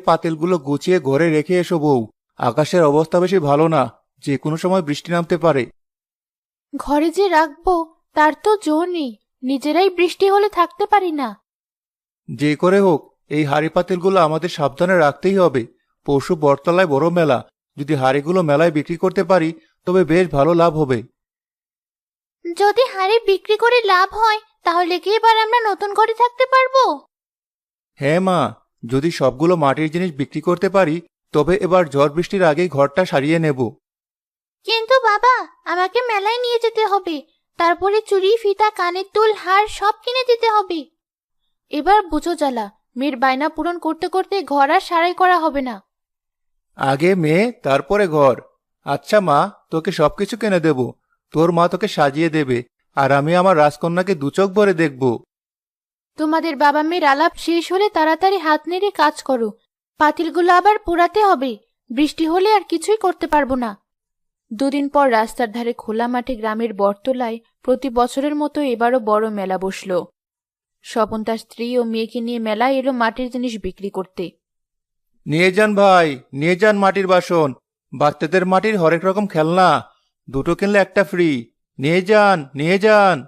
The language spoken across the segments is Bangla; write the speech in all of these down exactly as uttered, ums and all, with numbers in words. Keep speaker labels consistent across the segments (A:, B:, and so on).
A: পাতিলগুলো গুছিয়ে ঘরে রেখে এসো বউ। আকাশের অবস্থা বেশি ভালো না, যে কোনো সময় বৃষ্টি নামতে পারে।
B: ঘরে যে রাখবো তার তো জো নেই, নিজেরাই বৃষ্টি হলে থাকতে পারি না।
A: যে করে হোক এই হাড়ি পাতিলগুলো আমাদের সাবধানে রাখতেই হবে। পরশু বটতলায় বড় মেলা, যদি হাড়িগুলো মেলায় বিক্রি করতে পারি তবে বেশ ভালো লাভ হবে।
B: যদি হাড়ি বিক্রি করে লাভ হয় তাহলে কি এবার আমরা নতুন ঘরে থাকতে পারবো?
A: হ্যাঁ মা, যদি সবগুলো মাটির জিনিস বিক্রি করতে পারি তবে এবার ঝড় বৃষ্টির আগেই ঘরটা সারিয়ে নেব।
B: কিন্তু বাবা, আমাকে মেলায় নিয়ে যেতে হবে, তারপরে চুড়ি ফিতা কানের দুল হার সব কিনে দিতে হবে। এবার বুঝো জ্বালা, মেয়ের বায়না পূরণ করতে করতে ঘর আর সারাই করা হবে না।
A: আগে মেয়ে তারপরে ঘর। আচ্ছা মা, তোকে সবকিছু কিনে দেব, তোর মা তোকে সাজিয়ে দেবে, আর আমি আমার রাজকন্যাকে দুচোখ ভরে দেখব।
B: তোমাদের বাবা মেয়ের আলাপ শেষ হলে তাড়াতাড়ি হাত নেড়ে কাজ করো, পাতিলগুলো আবার পোড়াতে হবে, বৃষ্টি হলে আর কিছুই করতে পারবো না। দুদিন পর রাস্তার ধারে খোলা মাঠে গ্রামের বটতলায় প্রতি বছরের মতো এবারও বড় মেলা বসল। স্বপন তার স্ত্রী ও মেয়েকে নিয়ে মেলায় এলো মাটির জিনিস বিক্রি করতে।
A: নিয়ে যান ভাই, নিয়ে যান মাটির বাসন, বাচ্চাদের মাটির হরেক রকম খেলনা, দুটো কিনলে একটা ফ্রি। নিয়ে যান, নিয়ে যান।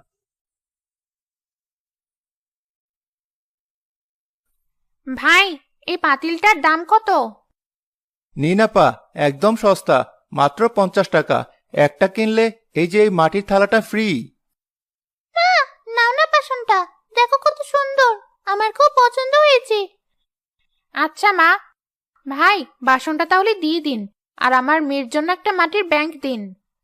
B: ভাই, এই পাতিলটার দাম কত?
A: নিন আপা, একদম সস্তা, মাত্র পঞ্চাশ টাকা। একটা কিনলে এই যে এই মাটির থালাটা ফ্রি।
B: নাও না বাসনটা, দেখো কত সুন্দর, আমার খুব পছন্দ হয়েছে। আচ্ছা মা, ভাই বাসনটা তাহলে দিয়ে দিন, আর আমার মেয়ের জন্য একটা মাটির ব্যাংক দিন।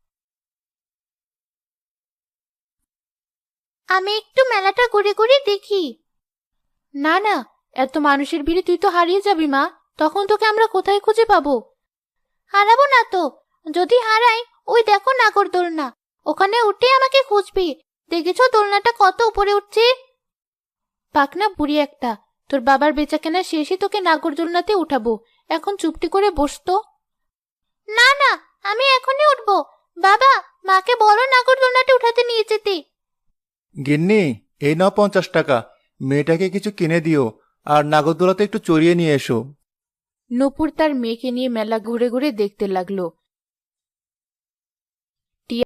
B: আমি একটু মেলাটা ঘুরে ঘুরে দেখি। না না, এত মানুষের ভিড়ে তুই তো হারিয়ে যাবি মা, তখন তোকে আমরা কোথায় খুঁজে পাবো? হারাবো না তো, যদি হারাই ওই দেখো নাগরদোলনা, ওখানে উঠে আমাকে খুঁজবি। দেখেছো দোলনাটা কত উপরে উঠছে? পাকনা বুড়ি একটা, তোর বাবার বেচাকেনা শেষে তোকে নাগরদোলনাতে উঠাবো, এখন চুপটি করে বসতো। না না, আমি এখনই উঠবো। বাবা, মাকে বলো নাগরদোলনাতে উঠাতে নিয়ে যেতে।
A: গিন্নি, এই নাও পঞ্চাশ টাকা, মেয়েটাকে কিছু কিনে দিও, আর নাগরদোলাতে একটু চড়িয়ে নিয়ে এসো।
B: নূপুর তার মেয়েকে নিয়ে মেলা ঘুরে ঘুরে দেখতে লাগলো।